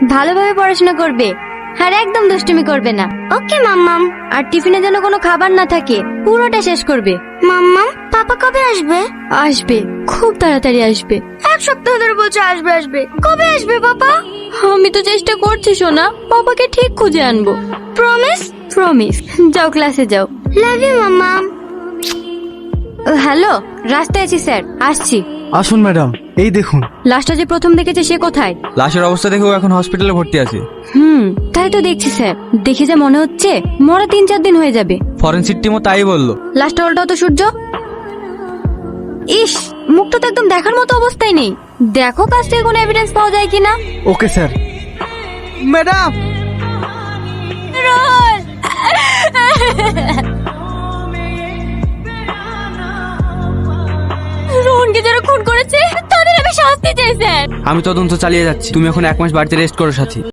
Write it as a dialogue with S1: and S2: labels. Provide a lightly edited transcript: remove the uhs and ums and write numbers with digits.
S1: ভালোভাবে পড়াশোনা করবে আর একদম দুষ্টুমি করবে না।
S2: ওকে মাম্মাম।
S1: আর টিফিনে যেন কোনো খাবার না থাকে, পুরোটা শেষ করবে।
S2: মাম্মাম, পাপা কবে আসবে?
S1: আসবে, খুব তাড়াতাড়ি আসবে।
S2: এক সপ্তাহ ধরে বলছে আসবে আসবে, কবে আসবে পাপা?
S1: আমি তো চেষ্টা করছি সোনা, পাপাকে ঠিক খুঁজে আনবো।
S2: প্রমিস?
S1: প্রমিস। যাও ক্লাসে যাও।
S2: লাভ ইউ মাম্মাম।
S1: হ্যালো, রাস্তায় আছি স্যার, আসছি।
S3: আসুন ম্যাডাম, এই দেখুন।
S1: লাশটা যে প্রথম দেখেছে সে কোথায়?
S4: লাশের অবস্থা দেখে ও এখন হসপিটালে ভর্তি আছে।
S1: তাই তো দেখছি স্যার। দেখে যা মনে হচ্ছে মরা 3-4 দিন হয়ে যাবে।
S4: ফরেনসিক টিমও তাই বললো।
S1: লাশটা উল্টাও তো সূর্য। ইস, মুখটা তো একদম দেখার মতো অবস্থায় নেই। দেখো কাছ থেকে কোনো এভিডেন্স পাওয়া যায় কিনা।
S3: Okay sir. ম্যাডাম,
S1: রোহনকে যারা খুন করেছে তাদের আমি শাস্তি চাই স্যার।
S4: আমি তদন্ত চালিয়ে যাচ্ছি, তুমি এখন 1 মাস বাড়িতে রেস্ট করো সাথী।